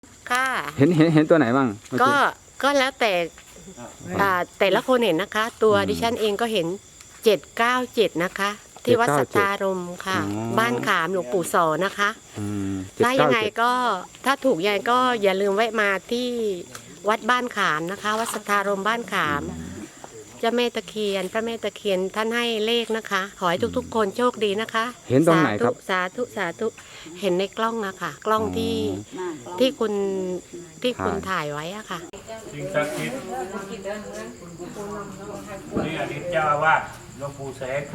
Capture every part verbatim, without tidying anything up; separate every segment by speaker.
Speaker 1: ค่ะ
Speaker 2: เห็นเห็นเห็นตัวไหนบ้างเมื่อ
Speaker 1: ก็
Speaker 2: กี้
Speaker 1: ก็แล้วแต่อ่าแต่ละคนเห็นนะคะ ตัว
Speaker 2: อืม
Speaker 1: ดิฉันเองก็เห็นเจ็ดเก้าเจ็ดนะคะ ที่วัดสัทธารมณ์ค่ะ
Speaker 2: อ๋อ
Speaker 1: บ้านขามหลวงปู่สอนะคะ
Speaker 2: อืม
Speaker 1: ถ้ายังไง
Speaker 2: เจ็ดเก้าเจ็ด
Speaker 1: ก็ถ้าถูกยังไงก็อย่าลืมแวะมาที่วัดบ้านขามนะคะ วัดสัทธารมณ์บ้านขามเจ้าแม่ตะเคียนพระแม่ตะเคียนท่านให้เลขนะคะ ขอให้ทุกๆ คนโชคดีนะคะ
Speaker 2: เห็นตรงไหนครับ
Speaker 1: สาธุสาธุเห็นในกล้องอะค่ะ กล้องที่ที่คุณที่คุณถ่ายไว้อะค่ะ
Speaker 3: สิ่งศักดิ์สิทธิ์นี่อดีตเจ้าอาวาสหลวงปู่แสง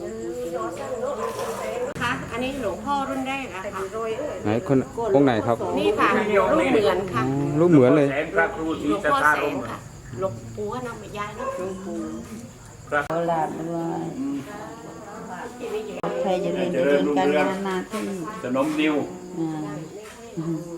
Speaker 1: ค่ะอันนี้หลวงพ่อรุ่นแรกอะค่ะ
Speaker 2: ไหนคนองค์ไหนครับ
Speaker 1: นี่ค่ะรูปเหมือนค่ะ
Speaker 2: อ๋อรูปเหมือนเลย
Speaker 3: แสงพระครูศ
Speaker 1: ห
Speaker 3: รี
Speaker 1: ลวง
Speaker 3: สัท
Speaker 1: พ่อ
Speaker 3: ธา
Speaker 1: แส
Speaker 3: ร
Speaker 1: ง
Speaker 3: ม
Speaker 1: ค่ะหลวงปู่ก็นำไปย้ายนะหลวงปู่
Speaker 4: โอลาบด้วยใครจะเรียนจะเรียนการงานนาที่
Speaker 3: สนมนิว
Speaker 4: อ่า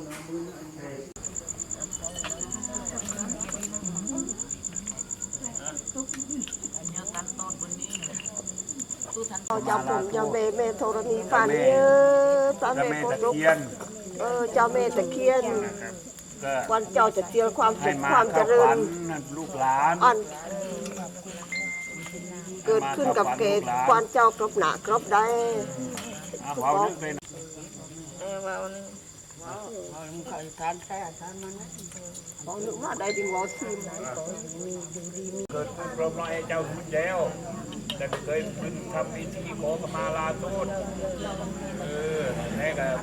Speaker 5: เจ้าผมเจ้าแม่แม่ธรณีฝันเยอะพระ
Speaker 3: พระ
Speaker 5: แม่
Speaker 3: แม่
Speaker 5: โพ
Speaker 3: ตะ
Speaker 5: ธิ์
Speaker 3: เคียน
Speaker 5: เออเจ้าแม่ตะเคียน
Speaker 3: ก็
Speaker 5: วันเจ้าจะเจียความ
Speaker 3: ให้
Speaker 5: สุข
Speaker 3: มา
Speaker 5: ความเจ
Speaker 3: เข้า
Speaker 5: ริ
Speaker 3: ฝั
Speaker 5: ญ
Speaker 3: นลูกหลาน
Speaker 5: อันเกิดขึ้นกับเกศควันเจ้ากรบหนากรบได้
Speaker 3: เอาเว้านึกเลยนะ
Speaker 5: เออว่านี่ว้าวใครทานแค่ทานมันบอกนึกว่าได้ดิงวอซีม
Speaker 3: เกิดขึ้นพร้อมน้อยเจ้าคุณแล้วแต่ไม่เคยขึ้นทำพิธีขอขมาลาโทษเออแม่ก็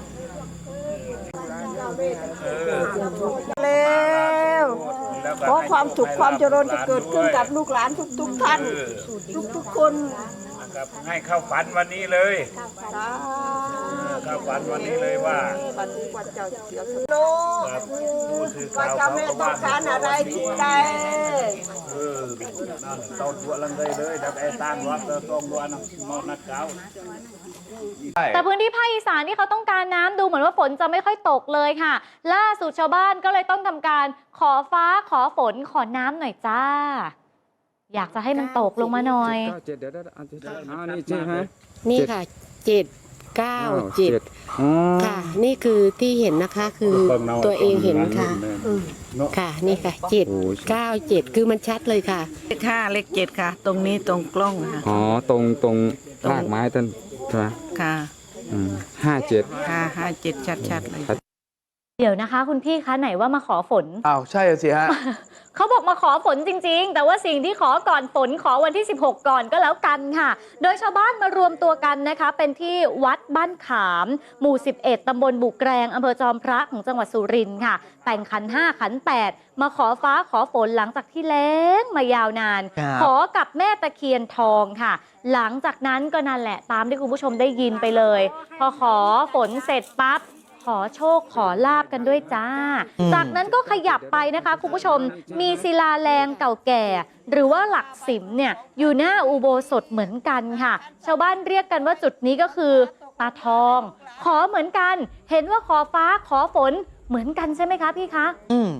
Speaker 3: เออ
Speaker 5: แล้ว
Speaker 3: แล้วก็
Speaker 5: ขอความสุขความเจริญจะเกิดขึ้นกับลูกหลานทุกทุกๆท่าน ทุกทุกๆคน
Speaker 3: ครับให้เข้าฝันวันนี้เลย
Speaker 5: สา
Speaker 3: เข้าฝันวันนี้เลยว่า
Speaker 5: วันนี้วันเจ้าจะเสียสนุก
Speaker 3: ครับผู้สื่อ
Speaker 5: ว่า
Speaker 3: ข่าว
Speaker 5: เจ้า
Speaker 3: เขา
Speaker 5: แม่
Speaker 3: ก็
Speaker 5: ต้อ
Speaker 3: ว่าง
Speaker 5: การอะไรที่ใด
Speaker 3: เออนั่นเต้าตัวลังเลยเลยดับไอ้ตั้งรถเตอร์ตรงวันนอนนัดเก้า
Speaker 6: แต่พื้นที่ภาคอีสานที่เขาต้องการน้ำดูเหมือนว่าฝนจะไม่ค่อยตกเลยค่ะ ล่าสุดชาวบ้านก็เลยต้องทำการขอฟ้าขอฝนขอน้ำหน่อยจ้า อยากจะให้มันตกลงมาหน่อย
Speaker 2: เจ็ดเก้าเจ็ดเดี๋ยวเดี๋ยวอันที่อ๋อนี่ใช่ไหม
Speaker 1: นี่ค่ะเจ็ดเก้าเจ็ด
Speaker 2: อ๋อ
Speaker 1: ค่ะ นี่คือที่เห็นนะคะคือตัวเองเห็นค่ะอืมค่ะนี่ค่ะเจ็ดเก้าเจ็ดคือมันชัดเลยค่ะ
Speaker 4: เลขห้าเลขเจ็ดค่ะ ตรงนี้ตรงกล้องค่ะ
Speaker 2: อ๋อตรงตรงรากไม้ต้นใช่ไหม
Speaker 4: ค่ะ
Speaker 2: อืมห้าเจ็ด
Speaker 4: ห้าห้าเจ็ดชัดๆเลย
Speaker 6: เดี๋ยวนะคะ คุณพี่คะไหนว่ามาขอฝน
Speaker 7: อ้าวใช่สิฮะ
Speaker 6: เขาบอกมาขอฝนจริงๆ แต่ว่าสิ่งที่ขอก่อนฝนขอวันที่สิบหกก่อนก็แล้วกันค่ะ โดยชาวบ้านมารวมตัวกันนะคะ เป็นที่วัดบ้านขาม หมู่ สิบเอ็ด ตำบลบุกแกรงอำเภอจอมพระของจังหวัดสุรินทร์ค่ะ แต่งขันห้าขันแปดมาขอฟ้าขอฝนหลังจากที่แล้งมายาวนาน
Speaker 7: ครับ
Speaker 6: ขอกับแม่ตะเคียนทองค่ะ หลังจากนั้นก็นั่นแหละตามที่คุณผู้ชมได้ยินไปเลย พอขอฝนเสร็จปั๊บ ขอโชคขอลาบกันด้วยจ้า จากนั้นก็ขยับไปนะคะคุณผู้ชม มีศิลาแรงเก่าแก่ หรือว่าหลักสิมเนี่ยอยู่หน้าอุโบสถเหมือนกันค่ะ ชาวบ้านเรียกกันว่าจุดนี้ก็คือตาทอง ขอเหมือนกัน เห็นว่าขอฟ้าขอฝนเหมือนกันใช่ไหมคะพี่คะ
Speaker 7: อืม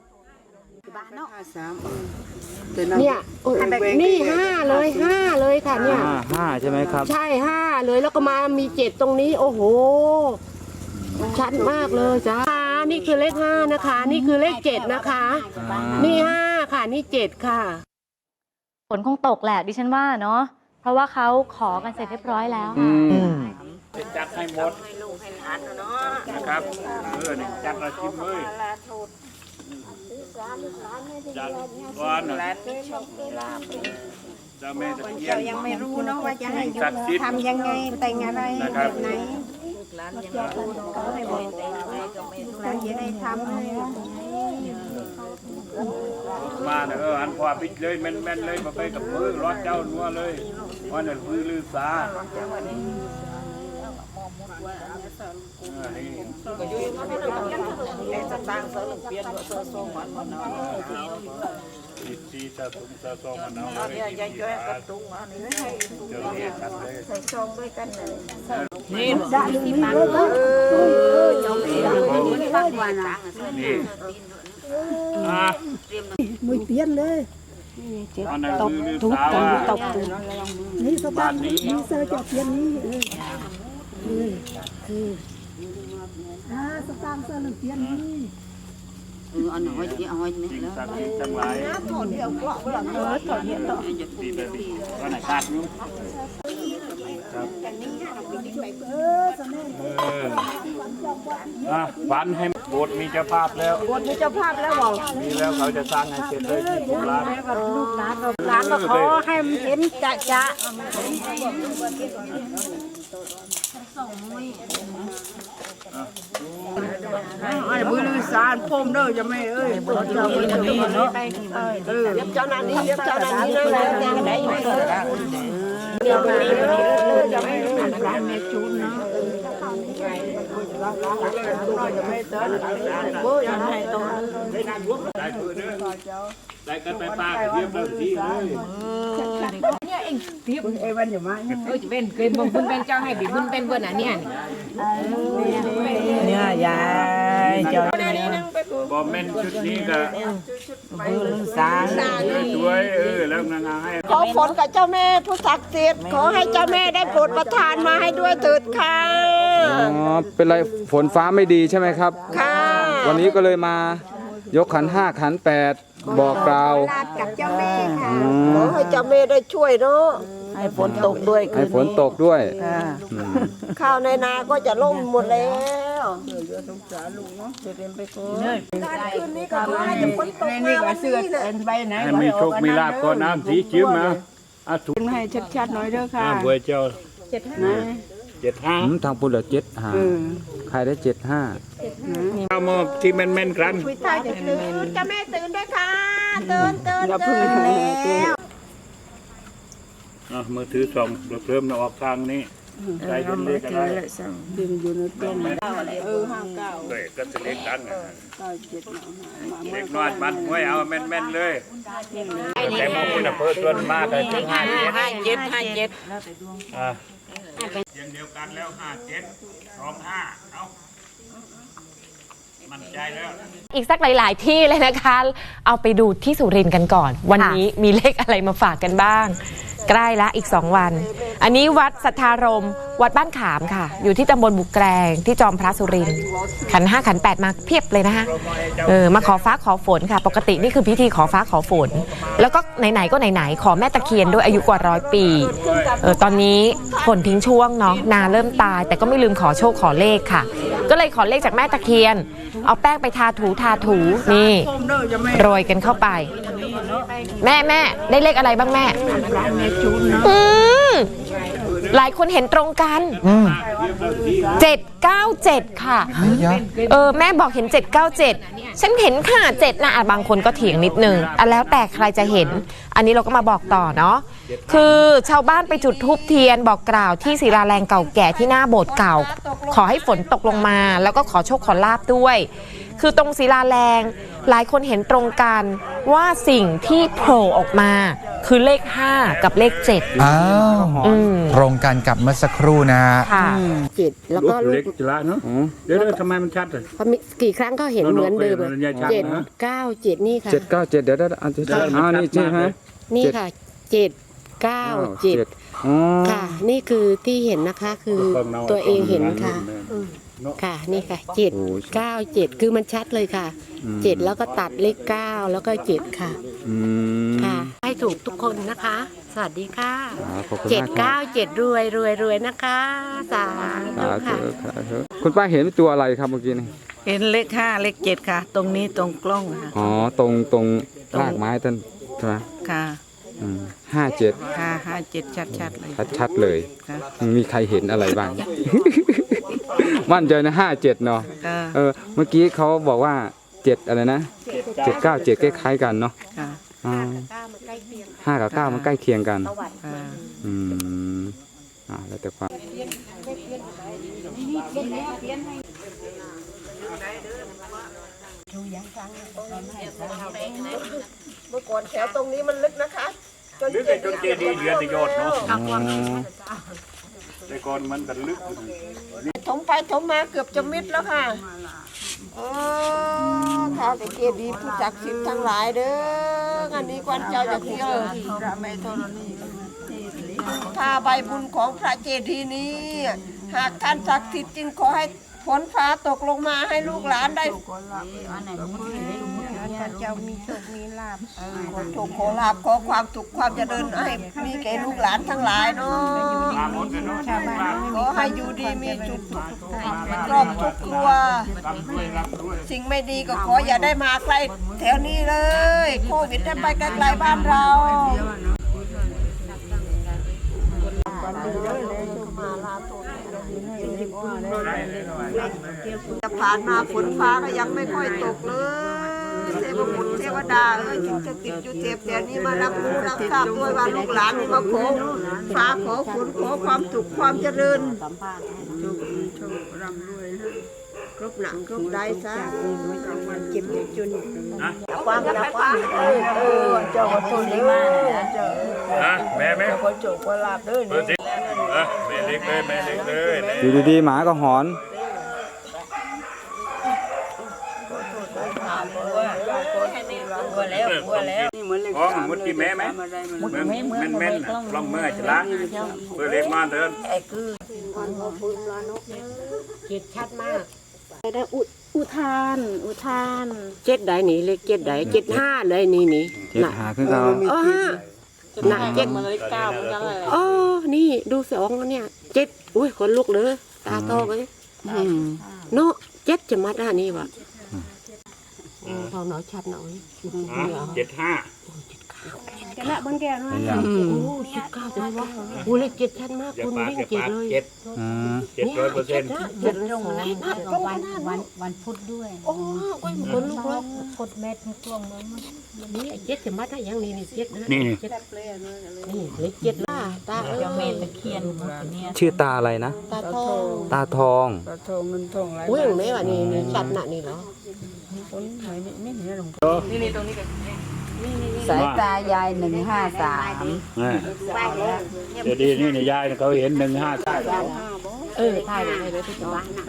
Speaker 1: เนี่ยนี่ห้าเลยห้าเลยค่ะเนี่ย
Speaker 2: ห้าห้าใช่ไหมครับ
Speaker 1: ใช่ห้าเลยแล้วก็มามีเจ็ดตรงนี้โอ้โห ชัดมากเลยจ้านี่คือเลขห้านะคะ นี่คือเลขเจ็ดนะคะ
Speaker 2: อ่า
Speaker 1: นี่ห้าค่ะ นี่เจ็ดค่ะ
Speaker 6: ฝนคงตกแหละดิฉันว่าเนาะ เพราะว่าเขาขอกันเสร็จเรียบร้อยแล้ว
Speaker 2: อื
Speaker 6: ค่ะ
Speaker 2: ม
Speaker 3: จะจัดให้หมดนะครับเออนี่จัดระชิมเลยจัดก่อนเจ้าแม่ตะเคียน
Speaker 5: เจ้ายังไม่รู้เนาะว่าจะให้
Speaker 3: ศักดิ์สิทธิ์
Speaker 5: ทำยังไงแต่งอะไร
Speaker 3: นะครับ
Speaker 5: แบบไหนเขาให้บอกเราจะได้ทำให้
Speaker 3: มาเนอะเอออันพอปิดเลยแม่นแม่นเลยมาไปกับมือรอดเจ้านัวเลยวันนั้นมือลือสาเออนี่
Speaker 5: แต่สตางค์เสริมเปลี่ยนเสริมทรงมันมันเนาะ
Speaker 3: สิบสี่สะสมสะสมมันเอาเลย
Speaker 5: เนี่ยยายจ้อยกระตุ้งอันนี้ให้
Speaker 3: เจ้าเนี่ยกันเลย
Speaker 5: ใส่ซองด้วยกันเลย
Speaker 3: นี่
Speaker 5: ได้ที่ปังเออเจ้าแม่นี่ปังวันนะ
Speaker 3: นี่อ่ะ
Speaker 8: มือเปลี่ยนเลย
Speaker 3: อันนั้นมือลือสาว่า
Speaker 8: นี่สตางค์นี่เซอร์จะเปลี่ยนนี่เออเออคืออ่าสตางค์เสื้อเหลืองเตียนนี่
Speaker 5: เอออันน้อยที่อ้อยนี่แล้ว
Speaker 3: สักดิ์ทั้งหลาย
Speaker 5: ถอดเดียวกรอกหลังเออถอดเดียว
Speaker 3: ดีไปวันไหนขาดนู้เอออ่ะฝันให้โบสถ์มีเจ้าภาพแล้ว
Speaker 5: บทมีเจ้าภาพแล้วบอก
Speaker 3: มีแล้วเขาจะสร้างให้เสร็จเลยที่ร้าน
Speaker 8: ลูกหลานหลานมาขอให้มันเห็นจะจะ
Speaker 5: ไอ้บุญสารพรมเด้อจะไม่เอ้ยเจ้าบุญนี่เนาะเออเจ้านั้นนี่เจ้านั้นนี่เลยแล้วได้อยู่เด้อเดี๋ยวนี้เลยจะไม่ร้านแม่จูนเนาะจะไม่เต้นโอ้ยให้ตัว
Speaker 3: ได้คืนเด้อได้กันไปปากเรียบร้อยที่เลย
Speaker 5: เอ้วันอยู่มั้ย
Speaker 7: เออจะเป็นเคยบอกคุณเป็นเจ้าให้บิคุณเป็นเบอร์ไหนเนี่ย
Speaker 4: เนี่ยยายเจ้า
Speaker 3: บอมเมนชุดนี้ก็
Speaker 4: บุญสาร
Speaker 3: ช่วยเออแล้วนางให้
Speaker 5: ขอฝนกับเจ้าแม่ผู้ศักดิ์สิทธิ์ขอให้เจ้าแม่ได้โปรดประทานมาให้ด้วยเถิดค่ะ
Speaker 2: อ๋อเป็นไรฝนฟ้าไม่ดีใช่ไหมครับ
Speaker 5: ค่ะ
Speaker 2: วันนี้ก็เลยมายกขันห้าขันแปดบอกกล่าว
Speaker 8: กับเจ้าแม่ค่ะ
Speaker 2: อื
Speaker 5: ขอ
Speaker 2: ม
Speaker 5: ให้เจ้าแม่ได้ช่วยเนาะ
Speaker 4: ให้ฝนตกด้วย
Speaker 2: ให้ฝนตกด้วย
Speaker 4: ค่ะ
Speaker 2: อืม
Speaker 5: ข้าวในนาก็จะล่มหมดแล้ว คืนนี้ก็ขอให้ฝนตกมาวันนี้นะ
Speaker 3: ให้มีโชคมีลาภก่อนน้ำสีจิ้มนะอ่ะถูก
Speaker 4: ให้ชัดๆหน่อยเด้อค่ะ
Speaker 3: อ่ะเบอร์เจ้าเจ็ดห้าเจ็ดห้า
Speaker 2: อืมทางปุ่นเหลือเจ็ดห้าใครได้เจ็ดห้า
Speaker 3: เอามาที่แม่นๆกัน
Speaker 5: คุยท่าจะตื่นเจ้าแม่ตื่นด้วยค่ะตื่นตื่นตื่นแล้ว
Speaker 3: อ่ะมือถือส่องเพิ่มนะออกทางนี้ใครเห็นเลขอะไรดึงอยู่ในต้นเออห้าเก้าเลยก็จะเลขกันนะเลขน้อยมันไว้เอาแม่นๆเลยแต่มองคุณเพิ่มต้นมากเลยถึงห้าเจ็ด
Speaker 4: ห้าเจ็ดห้าเจ็ด
Speaker 3: อ่ะเสียงเดียวกันแล้วห้าเจ็ดสองห้าเอามั่นใจแล้ว
Speaker 7: อีกสักหลาย ๆ ที่เลยนะคะ เอาไปดูที่สุรินทร์กันก่อน วันนี้มีเลขอะไรมาฝากกันบ้าง ใกล้ละอีกสองวัน อันนี้วัดสัทธารมวัดบ้านขามค่ะ อยู่ที่ตำบลบุกแกรงที่จอมพระสุรินทร์ขันห้าขันแปดมาเพียบเลยนะคะเออมาขอฟ้าขอฝนค่ะ ปกตินี่คือพิธีขอฟ้าขอฝน แล้วก็ไหน ๆ ก็ไหน ๆ ขอแม่ตะเคียนด้วยอายุกว่าร้อยปีเออตอนนี้ฝนทิ้งช่วงเนาะนาเริ่มตาย แต่ก็ไม่ลืมขอโชคขอเลขค่ะ ก็เลยขอเลขจากแม่ตะเคียน เอาแป้งไปทาถูทาถูนี่โรยกันเข้าไป แม่แม่ได้เลขอะไรบ้างแม่อืมหลายคนเห็นตรงกันเจ็ดเก้าเจ็ดค่ะเออแม่บอกเห็นเจ็ดเก้าเจ็ดฉันเห็นค่ะเจ็ดนะอ่ะบางคนก็เถียงนิดนึงอ่ะแล้วแต่ใครจะเห็น อันนี้เราก็มาบอกต่อเนาะคือชาวบ้านไปจุดธูปเทียนบอกกล่าวที่ศิลาแรงเก่าแก่ที่หน้าโบสถ์เก่า ขอให้ฝนตกลงมา แล้วก็ขอโชคขอลาภด้วย คือตรงศิลาแรงหลายคนเห็นตรงกันว่าสิ่งที่โผล่ออกมาคือเลขห้ากับเลขเจ็ด
Speaker 9: อ้าว
Speaker 7: อืม
Speaker 9: ตรงกันกับเมื่อสักครู่นะฮะ
Speaker 7: ค่ะ
Speaker 1: เจ็ดแล้วก็ลู
Speaker 3: เล็
Speaker 1: ก
Speaker 3: กจุฬาเนาะเดี๋ยวๆทำไมมันชัดเลย
Speaker 1: พอมีกี่ครั้งก็เห็นเหมือนเดิม
Speaker 3: โน้ตเป็นชัดนะ
Speaker 1: เจ็ดเก้าเจ็ดนี่ค่ะ
Speaker 2: เจ็ดเก้าเจ็ดเดี๋ยวได้อันที่อ่านี่ใช่ไหม
Speaker 1: นี่ค่ะเจ็ดเก้าเจ็ด
Speaker 2: อ๋อ
Speaker 1: ค่ะ นี่คือที่เห็นนะคะคือตัวเองเห็นค่ะ ค่ะนี่ค่ะเจ็ดเก้าเจ็ดคือมันชัดเลยค่ะเจ็ดแล้วก็ตัดเลขเก้าแล้วก็เจ็ดค่ะ
Speaker 2: อืม
Speaker 1: ค่ะ ให้ถูกทุกคนนะคะ สวัสดีค่ะ
Speaker 2: อ่าขอบคุณ
Speaker 1: เจ็ด
Speaker 2: มากครั
Speaker 1: เก้า
Speaker 2: บ
Speaker 1: เจ็ดรวยรวยรวยนะคะสาธุ
Speaker 2: สาธุ
Speaker 1: ค่ะ
Speaker 2: สาธุคุณป้าเห็นตัวอะไรครับเมื่อกี้นี่
Speaker 4: เห็นเลขห้าเลขเจ็ดค่ะ ตรงนี้ตรงกล้องค่ะ
Speaker 2: อ๋อตรงตรงรากไม้ต้นใช่ไหม
Speaker 4: ค่ะ
Speaker 2: อืมห้าเจ็ด
Speaker 4: ค่ะห้าเจ็ดชัดๆเลย
Speaker 2: ชัดๆเลย
Speaker 4: ค่ะ
Speaker 2: มีใครเห็นอะไรบ้าง มั่นใจนะห้าเจ็ดเนาะ
Speaker 4: ค่ะ
Speaker 2: เออเมื่อกี้เขาบอกว่าเจ็ดอะไรนะเจ็ดเก้าเจ็ดคล้ายๆกันเนาะ
Speaker 4: ค่ะ
Speaker 2: อ่าห้ากับเก้ามันใกล้เคียงกัน
Speaker 4: ค่ะ
Speaker 2: อืมอ่าแล้วแต่ความ
Speaker 5: เมื่อก่อนแถวตรงนี้มันลึกนะคะจน
Speaker 3: ลึก
Speaker 5: เจ็ด
Speaker 3: จนเจดีย์เดือนตะโยดเนาะ
Speaker 2: อ๋อ
Speaker 3: แต่ก่อนมันกันลึก
Speaker 5: ถมไปถมมาเกือบจะมิดแล้วค่ะเออข้าวแต่เจดีย์ผู้ศักดิ์สิทธิ์ทั้งหลายเด้ออันนี้กวนเจ้าจะเที่ยวพระไม่ธรณีถ้าใบบุญของพระเจดีย์นี้ หากท่านศักดิ์สิทธิ์จริงขอให้ฝนฟ้าตกลงมาให้ลูกหลานได้
Speaker 8: เจ้ามีโชคมีลาภ
Speaker 5: ขอโชคขอลาภขอความสุขความเจริญให้มีแก่ลูกหลานทั้งหลายเนาะขอให้อยู่ดีมีจุดครอบทุกครัว สิ่งไม่ดีก็ขออย่าได้มาใกล้แถวนี้เลยโควิดให้ไปไกลๆบ้านเราจะผ่านมาฝนฟ้าก็ยังไม่ค่อยตกเลยเทพบุตรเทวดาเอ้ยสิ่งจะติดอยู่เทพแต่นี้มารับรู้รับทราบด้วยว่าลูกหลานนี่มาขอฟ้าขอฝนขอความสุขความเจริญโชคดีโชคร่ำรวยครบหนังครบได้ซะเก็บจุนความรักความเออเออเจ้าก็ตุนได้มาเจ้า
Speaker 3: นะแม่แม่
Speaker 5: เจ้าก็โจกก็ลาบเด้อ
Speaker 3: เปิดสิเออแม่เล็กเลยแม่เล็กเลย
Speaker 2: อยู่ดีๆหมาก็หอน
Speaker 5: บัวแล้วบัวแล้ว
Speaker 3: อ๋อมุดกี่แม่ไหมมุดแม่แม่แม่ลองเมื่อจะล้างเปิดเล็กมาเดิน
Speaker 1: เจ็ดชัดมาก
Speaker 8: ได้อุอุทานอุทาน
Speaker 1: เจ็ดใดนี่เลขเจ็ดใดเจ็ดห้าเลยนี่นี่
Speaker 2: เจ็ดหาขึ้นเรา
Speaker 1: อ๋อห้าน่ะเจ็ด
Speaker 3: มาเลยเก้าเหมือนกันเลย
Speaker 1: อ๋อนี่ดูสองเนี่ยเจ็ดอุ้ยขนลุกเลยตาโตเลยเนาะเจ็ดจะมาด้านนี้วะพอหน่อยชัดหน่อย
Speaker 3: เจ็ดห้า
Speaker 8: กันละบนแก้วน้อย
Speaker 2: อย่าง
Speaker 1: โอ้สิบเก้าจะไม่ว่าโอ้เลขเจ็ดชัดมาก
Speaker 3: อย่า
Speaker 1: คุณ
Speaker 3: ปาก
Speaker 1: วิ่ง
Speaker 3: อย่า
Speaker 1: เจ็ด
Speaker 3: ปาก
Speaker 1: เลย
Speaker 3: เจ็ด
Speaker 2: อืม
Speaker 3: เจ็ดร้อยเปอร์เซ็นต์
Speaker 1: เจ็ดตรงไหนตรงขนาด
Speaker 8: วันวันพุธด้วย
Speaker 1: โอ้ยขนลุกเลย
Speaker 8: กดเม็ดกลวงมัน
Speaker 1: นี่เจ็ดจะมาได้ยังนี่นี่เจ็ดนะ
Speaker 3: นี่นี่
Speaker 1: เจ็ดนี่เลขเจ็ดล่ะตาเอ้ย
Speaker 8: เม็ดตะเคียนเนี่ย
Speaker 2: ชื่อตาอะไรนะ
Speaker 1: ตาทอง
Speaker 2: ตาทอง
Speaker 5: ปลาทองเงินทองไร
Speaker 1: อุ้ยไม่ว่านี่นี่ชัดน่ะนี่เหรอ
Speaker 5: คนไหนนี่ไม่เห็นหรอก
Speaker 8: สายตายายหนึ่งห้าสาม
Speaker 3: เดี๋ยวดีนี่นี่ยายเขาเห็นหนึ่งห้าใช่
Speaker 1: เออถ่ายไปเลยที่บ้านน่ะ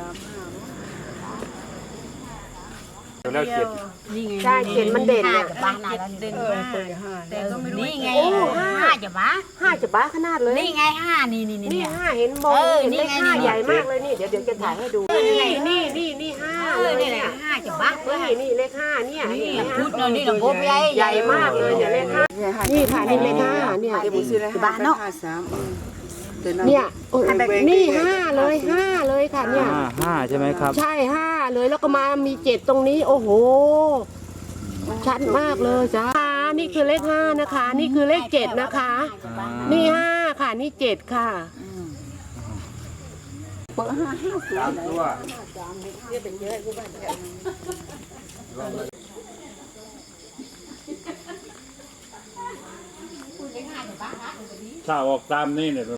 Speaker 3: แล้วเจ็ด
Speaker 1: ใช่เจ็ดมันเด่นเนี่ย
Speaker 8: บ้านไหนแล้วเด่นมากแต่ก็ไม่รู้นี่ไงห้าจะบ้า
Speaker 1: ห้าจะบ้าขนาดเลย
Speaker 8: นี่ไงห้านี่นี่
Speaker 1: นี่
Speaker 8: นี่
Speaker 1: ห้าเห็นมอง
Speaker 8: เออ
Speaker 1: เห็น
Speaker 8: นี่
Speaker 1: เลข
Speaker 8: ไง
Speaker 1: ห้า
Speaker 8: นี่
Speaker 1: ใหญ่มากเลยนี่เดี๋ยวเดี๋ยวจะถ่ายให้ดูนี่นี่นี่นี่ห้า
Speaker 8: เอ
Speaker 1: เล
Speaker 8: อย นี่
Speaker 1: เนี่
Speaker 8: แห
Speaker 1: ย
Speaker 8: ละห้าจะบ้า
Speaker 1: นี่นี่เลขห้าเนี่ย
Speaker 8: นี่
Speaker 1: เห็นไหม
Speaker 8: พุธนี่หลวงพ่อใหญ่
Speaker 1: ใหญ่มากเลยเนี่ยเลขห้านี่ค่ะนี่เลขห้าเนี่ย
Speaker 8: บ้านเนาะ
Speaker 1: เนี่ยโอ้ยนี่ห้าเลยห้าเลยค่ะเนี่ย
Speaker 2: ห้าห้าใช่ไหมครับ
Speaker 1: ใช่ห้าเลยแล้วก็มามีเจ็ดตรงนี้โอ้โหชัดมากเลยจ้านี่คือเลขห้านะคะ นี่คือเลขเจ็ดนะคะ นี่ห้าค่ะนี่เจ็ดค่ะ
Speaker 3: สามตัวถ้าออกตามนี่เนี่ย